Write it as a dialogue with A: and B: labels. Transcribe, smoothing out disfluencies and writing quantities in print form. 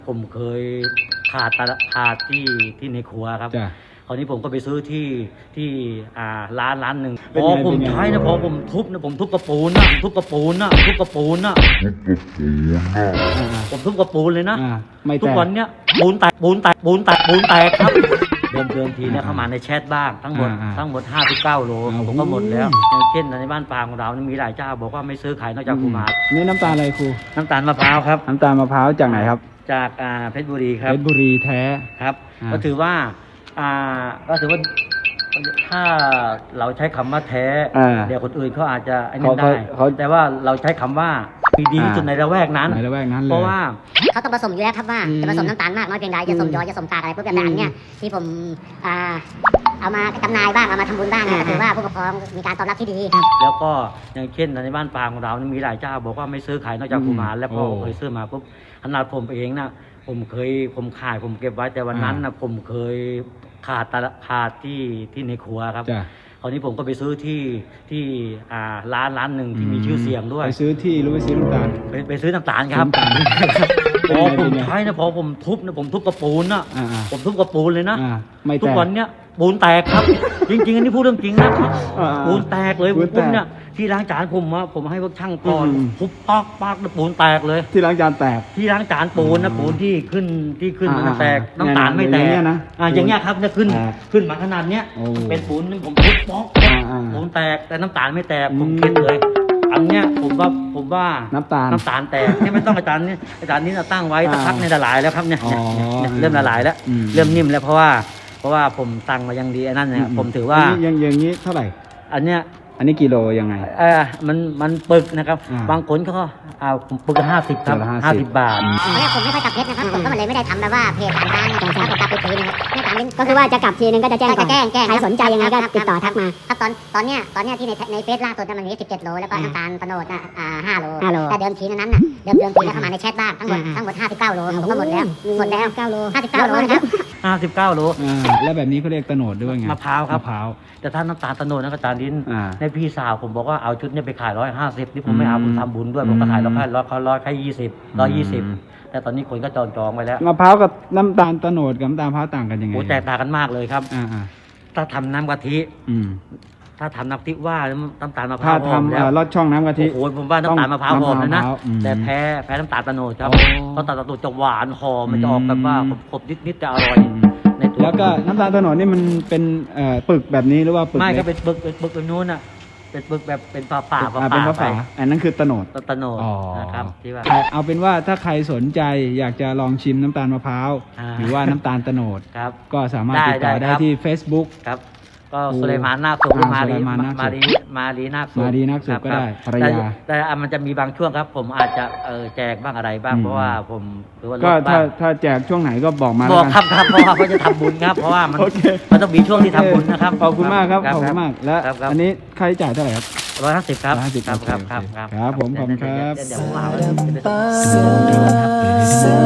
A: ผมเคยขาดที่ในครัวครับคราวนี้ผมก็ไปซื้อที่ร้านหนึ่งพอผมใช้นะพอผมทุบนะผมทุบกระปูนนะทุบกระปูนนะทุบกระปูนนะผมทุบกระปูนเลยนะทุกวันเนี้ยปูนแตกครับเดิมทีเนี่ยเข้ามาในแชทบ้างทั้งหมด59 โลผมก็หมดแล้วอย่างเช่นในบ้านปางของเรานี่มีหลายเจ้าบอกว่าไม่ซื้อขายนอกจากครูมา
B: นี่น้ำตาลอะไรครู
A: น้ำตาลมะพร้าวครับ
B: น้ำตาลมะพร้าวจากไหนครับ
A: จากเพชรบุรีครับ
B: เพชรบุรีแท้
A: ครับก็ถือว่าถ้าเราใช้คำว่าแท้เดี๋ยวคนอื่นเขาอาจจะไอ้นี่ได้แต่ว่าเราใช้คำว่าดีที่สุดในละแวกนั้นเพราะว่า
C: เขาต้องผสมอยู่แล้วครับว่าจะผสมน้ำตาลมากน้อยเพียงใดจะสมยอจะสมกากอะไรพวกแบบนั้นเนี่ยที่ผมเอามาจำหน่ายบ้างเอามาทำบุญบ้างก็ถือว่าผู้ปกครองมีการตอบรับที่ดีครับ
A: แล้วก็อย่างเช่นในบ้านปางของเรานี่มีหลายเจ้าบอกว่าไม่ซื้อขายนอกจากกุมารแล้วพอเคยซื้อมาปุ๊บขนาดผมเองนะผมขายผมเก็บไว้แต่วันนั้นนะผมเคยขาดที่ในครัวครับคราวนี้ผมก็ไปซื้อที่ร้านหนึ่งที่มีชื่อเสียงด้วย
B: ไปซื้อที่หรือไปซื้อน้ำตาล
A: ไปซื้อน้ำตาลครับพอผมใช้นะพอผมทุบนะผมทุบกระปูนนะผมทุบกระปูนเลยนะทุกวันเนี้ยปูนแตกครับจริงๆอันนี้พูดเรื่องจริงนะปูนแตกเลยผมเนี่ยที่ล้างจานผมให้พวกช่างก่อนทุบปักแล้วปูนแตกเลย
B: ที่ล้างจานแตก
A: ที่ล้างจานปูนนะปูนที่ขึ้นมันแตกน้ำตาลไม่แตกอย่างเงี้ยครับเนี่ยขึ้นมาขนาดเนี้ยเป็นปูนผมทุบป๊อกปูนแตกแต่น้ำตาลไม่แตกผมคิดเลยอันเนี้ยผมว่าน้ำตาลแตกเนี่ยไม่ต้องอาจารย์นี้ตั้งไว้สักพักในละลายแล้วครับเนี่ยเริ่มละลายแล้วเริ่มนิ่มแล้วเพราะว่าผมตั้งมายังดีอันนั้นเนี่ยผมถือว่า
B: อย่างนี้เท่าไหร่
A: อันนี้
B: กิโลยังไง
A: มันปึกนะครับบางคนก็เอาปึก50ครับ50 บาท
C: ผมไม่ค่อยกลับเพชรนะครับผมก็เลยไม่ได้ทำแบบว่าเพจต่างๆผมกลับไปทีนึงก็คือว่าจะกลับทีนึงก็จะแจ้งใครสนใจยังไงก็ติดต่อทักมาครับตอนเนี้ยที่ในเฟซล่าสุดมันมี17 โลแล้วก็น้ำตาลตะโนด5 โลแต่เดิมทีนั้นเดิมทีแล้วเข้ามาในแชทบ้างทั้งหมด59 โลผมก็หมดแล้ว59 โลนะครับ
A: 59 โล
B: แล้วแบบนี้เขาเรียกตะโนดด้วยไง
A: มะพร้าวครับแต่ถ้าน้ำตาลตะโนดนะอาจารย์ลิ้นในพี่สาวผมบอกว่าเอาชุดนี้ไปขาย150นี่ผมไม่เอาผมทำบุญด้วยผมก็ขาย100แค่120แต่ตอนนี้คนก็จองไว้แล้ว
B: มะพร้าวกับน้ำตาลตะโนดกับน้ำตาลมะพร้าวต่างกันยังไง
A: แตกต่างกันมากเลยครับถ้าทำน้ำกะทิถ้าทำน้ำทิว่าน้ำตาลมะพร้าว
B: ถ้าทำลอดช่องน้ำกะทิ
A: โอ้โหผมว่าน้ำตาลมะพร้าวหอมเลยนะแต่แพ้น้ำตาลตะโนดครับน้ำตาลตะโนดจะหวานหอมมันจะออกแบบว่าขบนิดแต่อร่อย
B: แล้วก็น้ำตาลตะโนดนี่มันเป็นปึกแบบนี้หรือว่าปึก
A: ไม่ก็เป็นปึกแบบนู้นอ่ะเป็นปึกแบบเป็นฝา
B: เป็นฝาอันนั้นคือตะโนด
A: นะครับที่ว่า
B: เอาเป็นว่าถ้าใครสนใจอยากจะลองชิมน้ำตาลมะพร้าวหรือว่าน้ำตาลตะโนดก็สามารถติดต่อได้ที่ Facebook
A: ครับก็สุเลมานนาคสุขมารีนาคสุข
B: ก็ได้ภรรยา
A: แต่มันจะมีบางช่วงครับผมอาจจะแจกบ้างอะไรบ้างเพราะว่าผมหรือว่า
B: ก็ถ้าแจกช่วงไหนก็บอกมา
A: บอกครับเพราะว่าเขาจะทำบุญครับเพราะว่ามันต้องมีช่วงที่ทำบุญนะครับ
B: ขอบคุณมากครับขอบคุณมากและอันนี้ค่าใช้จ่ายเท่าไหร่ครับ
A: 150ครับ
B: ครับผมขอบคุณครับ